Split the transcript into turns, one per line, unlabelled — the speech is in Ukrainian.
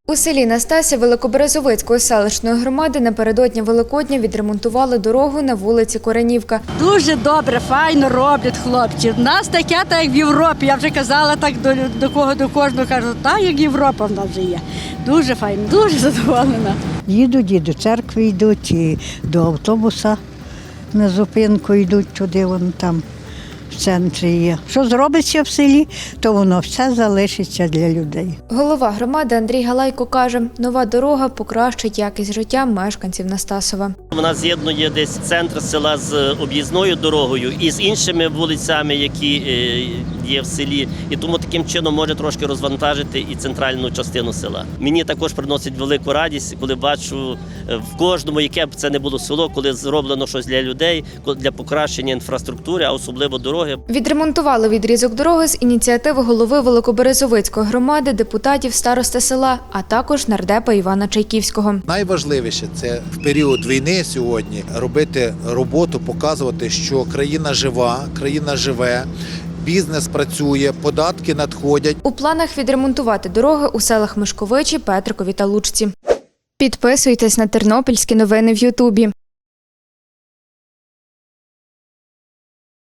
У селі Настасів Великоберезовицької селищної громади напередодні Великодня відремонтували дорогу на вулиці Коренівка.
Дуже добре, файно роблять хлопці. У нас таке, так як в Європі. Я вже казала так до кожного, кажу, так як Європа в нас вже є. Дуже файно, дуже задоволена.
Їдуть і до церкви йдуть, і до автобуса на зупинку йдуть туди, вон там в центрі є. Що зробиться в селі, то воно все залишиться для людей.
Голова громади Андрій Галайко каже, нова дорога покращить якість життя мешканців Настасова.
Вона з'єднує десь центр села з об'їзною дорогою і з іншими вулицями, які є в селі. І тому таким чином може трошки розвантажити і центральну частину села. Мені також приносить велику радість, коли бачу в кожному, яке б це не було село, коли зроблено щось для людей, для покращення інфраструктури, а особливо дороги.
Відремонтували відрізок дороги з ініціативи голови Великоберезовицької громади, депутатів, старости села, а також нардепа Івана Чайківського.
Найважливіше – це в період війни сьогодні робити роботу, показувати, що країна жива, країна живе, бізнес працює, податки надходять.
У планах відремонтувати дороги у селах Мишковичі, Петрикові та Лучці. Підписуйтесь на тернопільські новини в Ютубі.